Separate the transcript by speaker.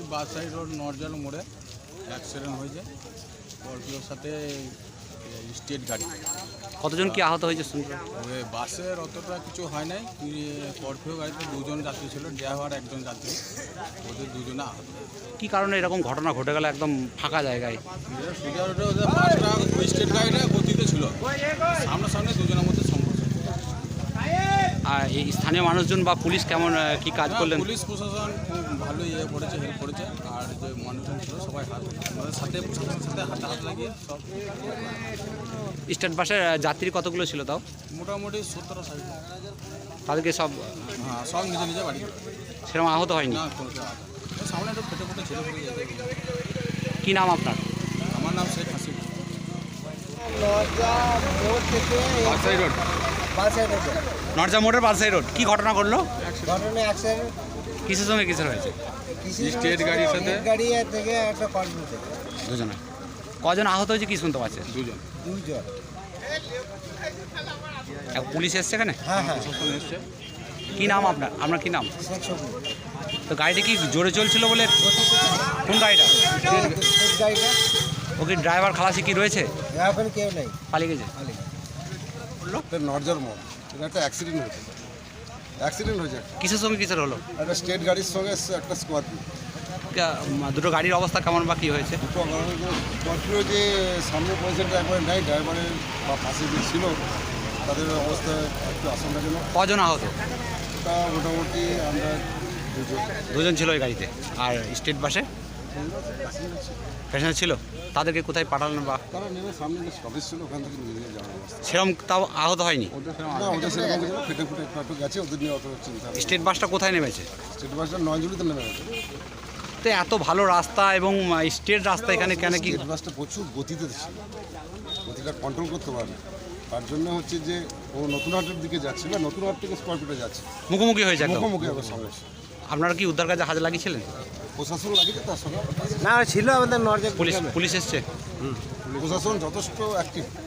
Speaker 1: বাসাই রোড নরজাল মোড়ে অ্যাক্সিডেন্ট হয়েছে স্করপিওর সাথে স্টেট গাড়ি।
Speaker 2: কতজন কি আহত হয়েছে শুনলাম?
Speaker 1: ওই বাসের অতটা কিছু হয় নাই, স্করপিও গাড়িতে দুজন যাত্রী ছিল, ড্রাইভার একজন যাত্রী, ওদের দুজনে আহত।
Speaker 2: কী কারণে এরকম ঘটনা ঘটে গেল একদম ফাঁকা জায়গায়?
Speaker 1: সোজা রোডে ওদের বাসটা স্টেট গাড়িটা গতিতে ছিল, সামনাসামনি দুজনের মধ্যে সংঘর্ষ।
Speaker 2: আর এই স্থানীয় মানুষজন বা পুলিশ কেমন কি কাজ করলেন?
Speaker 1: পুলিশ প্রশাসন খুব ভালো করেছে, হেল্প করেছে। আর যে মানুষজন ছিল সবাই আমাদের সাথে প্রশাসনের সাথে হাত লাগিয়ে সব।
Speaker 2: স্টেট বাসের যাত্রী কতগুলো ছিল তাও?
Speaker 1: মোটামুটি 70-60।
Speaker 2: তাদেরকে সব
Speaker 1: হ্যাঁ, সব নিজে নিজে বাড়ি।
Speaker 2: সেরকম আহত হয়নি?
Speaker 1: না, কোনো সামনে একটু ফেটে ফুটে ছেলে পড়ে যেতে।
Speaker 2: কী নাম আপনার?
Speaker 1: আমার নাম শেখ হাসিব।
Speaker 2: নরজা মোড়ের পালসাই রোড। কি ঘটনা ঘটলো?
Speaker 3: ঘটনা অ্যাক্সিডেন্ট
Speaker 2: কিসের সঙ্গে কিসের হয়েছে?
Speaker 1: স্টেট গাড়ির সাথে
Speaker 3: গাড়ি থেকে একটা কর্মী থেকে
Speaker 2: দুজনে। কজন আহত হয়েছে কি শুনতে পাচ্ছে?
Speaker 1: দুজন।
Speaker 2: পুলিশ এসছে এখানে?
Speaker 3: হ্যাঁ হ্যাঁ,
Speaker 1: প্রশাসন এসছে।
Speaker 2: কি নাম আপনার? আপনার কি নাম?
Speaker 3: শেখ সবুজ।
Speaker 2: তো গাড়িটা কি জোরে চলছিল বলে? কোন গাড়িটা?
Speaker 3: গাড়িটা
Speaker 2: ওকে ড্রাইভার খালাসি কি রয়েছে?
Speaker 3: এখন কেউ নেই,
Speaker 2: পালিয়ে গেছে।
Speaker 4: নরজার মোড়, এটা একটা অ্যাক্সিডেন্ট হয়েছে।
Speaker 2: কিসের সঙ্গে কিসের হলো?
Speaker 4: একটা স্টেট গাড়ির সঙ্গে একটা স্করপিও।
Speaker 2: দুটো গাড়ির অবস্থা কেমন বা কী হয়েছে?
Speaker 4: স্করপিও যে সামনে পজিশনটা একবার নেই, ড্রাইভারের বা পাশে যে ছিল তাদের অবস্থা একটু আশঙ্কাজনক।
Speaker 2: কজন আহত?
Speaker 4: তা মোটামুটি আমরা
Speaker 2: দুজন ছিল ওই গাড়িতে। আর স্টেট বাসে প্যাসেঞ্জার ছিল, তাদেরকে কোথায় পাঠালেন বা?
Speaker 4: তারা নেমে সামনে যে স্টপেজ ছিল ওখান থেকে নিয়ে যাওয়ার অবস্থা।
Speaker 2: সেরকম তাও আহত হয়নি?
Speaker 4: ওদের সেরকম কিছু না, ফেটে ফুটে একটু গেছে, ওদের নিয়ে অত চিন্তা নেই।
Speaker 2: স্টেট বাসটা কোথায় নেমেছে?
Speaker 4: স্টেট বাসটা নয়জুড়িতে নেমে গেছে।
Speaker 2: তো এত ভালো রাস্তা এবং স্টেট রাস্তা এখানে কেন কি?
Speaker 4: স্টেট বাসটা প্রচুর গতিতে ছিল, গতিটা কন্ট্রোল করতে পারে। তার জন্য হচ্ছে যে ও নতুন হাটের দিকে যাচ্ছে না, নতুন হাট থেকে স্করপিওটা যাচ্ছে,
Speaker 2: মুখোমুখি হয়েছে একদম।
Speaker 4: মুখোমুখি আবার সমস্যা।
Speaker 2: আপনারা কি উদ্ধার কাজে হাত লাগিয়েছিলেন?
Speaker 4: প্রশাসন লাগিয়েছে, তার সঙ্গে
Speaker 3: না ছিল আমাদের নর্জা
Speaker 2: পুলিশ এসছে?
Speaker 4: প্রশাসন যথেষ্ট অ্যাক্টিভ।